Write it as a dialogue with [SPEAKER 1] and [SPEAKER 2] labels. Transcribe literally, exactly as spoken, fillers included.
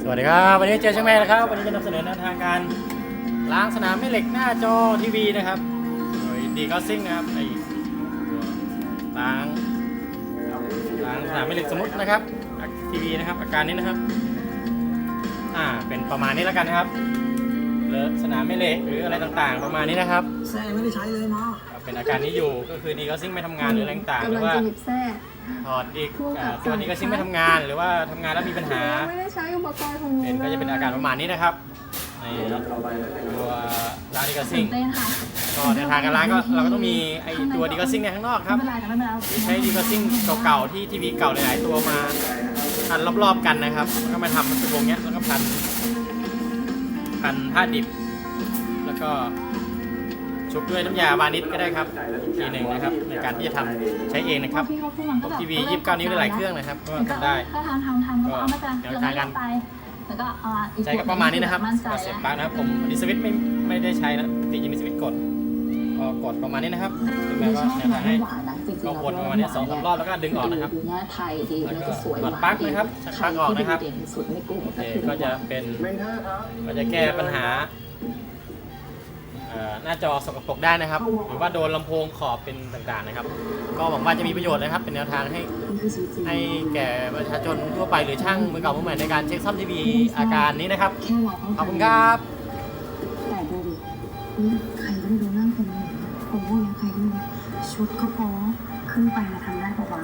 [SPEAKER 1] สวัสดีครับวันนี้เจอช่างแม่แล้วครับวันนี้จะนำเสนอแนวทางการล้างสนามแม่เหล็กหน้าจอทีวีนะครับโดยดีก็ซิ่งนะครับในล้างล้างสนามแม่เหล็กสมมุตินะครับทีวีนะครับอาการนี้นะครับอ่าเป็นประมาณนี้แล้วกันนะครับเลอะสนามแม่เหล็กหรืออะไรต่างๆประมาณนี้นะครับ
[SPEAKER 2] แซ่ไม่ได้ใช้เลยมา
[SPEAKER 1] เป็นอาการนี้อยู่ก็คือดีก็ซิ่งไม่ทำงานหรืออะไรต่างๆหรือว่าถอดอีกตัวดีก็ซิ่งไม่ทำงานหรือว่าทำงานแล้วมีปัญหา
[SPEAKER 3] ไม่ได้ใช้อุปกรณ์ของ
[SPEAKER 1] เป็นก็จะเป็นอาการประมาณนี้นะครับในตัวร้านดีก็ซิ่งก็ในทางการล้างก็เราก็ต้องมีไอตัวดีก็ซิ่งในข้างนอกครับใช้ดีก็ซิ่งเก่าๆที่ทีวีเก่าหลายๆตัวมาพันรอบๆกันนะครับแล้วก็มาทำเป็นวงเนี้ยแล้วก็พันพันผ้าดิบแล้วก็ชุบด้วยน้ำยาวานิชก็ได้ครับอีกทีหนึ่งนะครับในการที่จะทำใช้เองนะครับทีวียี่สิบเก้านิ้วได้หลายเครื่องนะครับก็ทำได้
[SPEAKER 3] ก็ทำทำทำก็ไม่เป็น
[SPEAKER 1] แนวทางการ
[SPEAKER 3] แล้วก็
[SPEAKER 1] ใช้ก็ประมาณนี้นะครับก็เสร็จปั๊บนะครับผมดิสวิตไม่ไม่ได้ใช้นะตีจะมีสวิตกดก็กดประมาณนี้นะครับถึงแม้ว่าแนวทางให้ก็วนประมาณนี้สองสามรอบแล้วก็ดึงออกนะครับแล้วก็ถอดปลั๊กนะครับชักปลั๊กออกนะครับโอเคก็จะเป็นก็จะแก้ปัญหาหน้าจอสกปรกได้นะครับหรือว่าโดนลำโพงขอบเป็นต่างๆนะครับก็หวังว่าจะมีประโยชน์นะครับเป็นแนวทางให้ให้แก่ประชาชนทั่วไปหรือช่างมือเก่ามือใหม่ในการเช็คซ่อมทีวีอาการนี้นะครับขอบคุณครับ
[SPEAKER 3] แต่ดูดิใครก็ไม่รู้นั่งเป็นผมว่ายังใครก็ไม่รู้ชุดก็พอขึ้นไปนะคะ